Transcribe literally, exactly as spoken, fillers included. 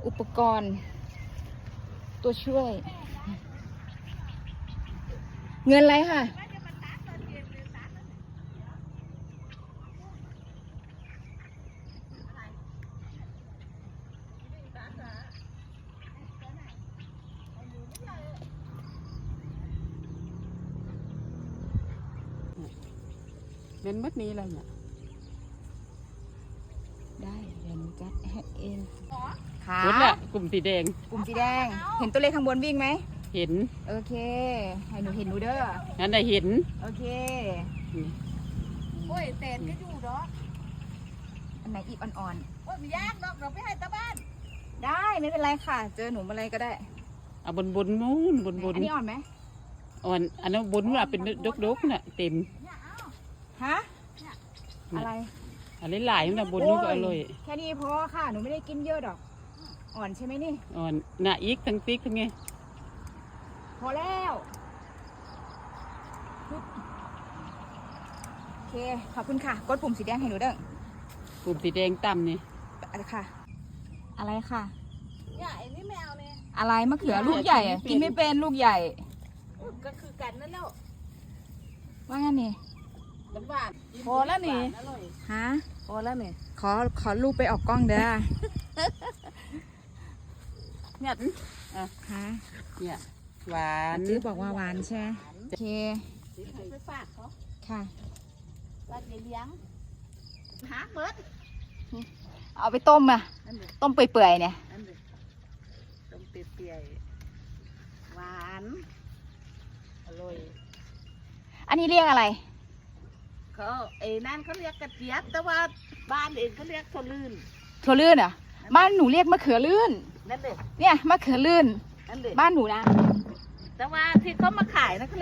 อุปกรณ์ ตัวช่วย เงินอะไรค่ะเป็นมัดนี้อะไรเนี่ยได้เดี๋ยวหนูจัดให้เองค่ะรถแหละกลุ่มสีแดงกลุ่มสีแดง เห็นตัวเลขข้างบนวิ่งไหมเห็นโอเค ให้หนูเห็นหนูเด้องั้นได้เห็นโอเคโอ้ยเต็นก็อยู่เนาะอันไหนอีกอ่อนโอ้ยไม่ยากหรอกเราไปให้ตาบ้านๆ ได้ไม่เป็นไรค่ะ เจอหนูอะไรก็ได้เอาบนบนนู้นบนบนอันนี้อ่อนไหมอ่อนอันนั้นบนว่าเป็นดกดกน่ะเต็มฮะ อะไรอันนี้หลายมันนะบนนู้นก็อร่อยแค่นี้พอค่ะ หนูไม่ได้กินเยอะดอก อ่อนใช่ไหมนี่อ่อนหน้าอีกทั้งติ๊กทั้งไงพอแล้วโอเค ขอบคุณค่ะ กดปุ่มสีแดงให้หนูเด้อกลุ่มสีแดงต่ำนี่อะไรค่ะ อะไรค่ะเนี่ยไอ้นี่ไม่เอาเนี่ยอะไรมะเขือลูกใหญ่อะกินไม่เป็นลูกใหญ่ก็คือกันนั่นแล้วว่างั้นนี่มันหวานพอแล้วนี่อร่อยฮะพอแล้วเนี่ยขอ ขอรูปไปออกกล้องเด้อเนี่ยฮะเนี่ยหวานจื้อบอกว่าหวานใช่ไหมโอเคไปฝากเขาค่ะว่าจะเลี้ยงหาเบิดเอาไปต้มอะนั่นเลยต้มเปื่อยๆเนี่ยนั่นเลยต้มเปียๆหวานอร่อยอันนี้เรียกอะไรเขาไอ้นั่นเขาเรียกกระเจี๊ยบแต่ว่าบ้านเองเขาเรียกถั่วลื่นถั่วลื่นเหรอ่ะ บ้านหนูเรียกมะเขือลื่นนั่นเลยเนี่ยมะเขือลื่นนั่นเลยบ้านหนูนะแต่ว่าที่เขามาขายนะ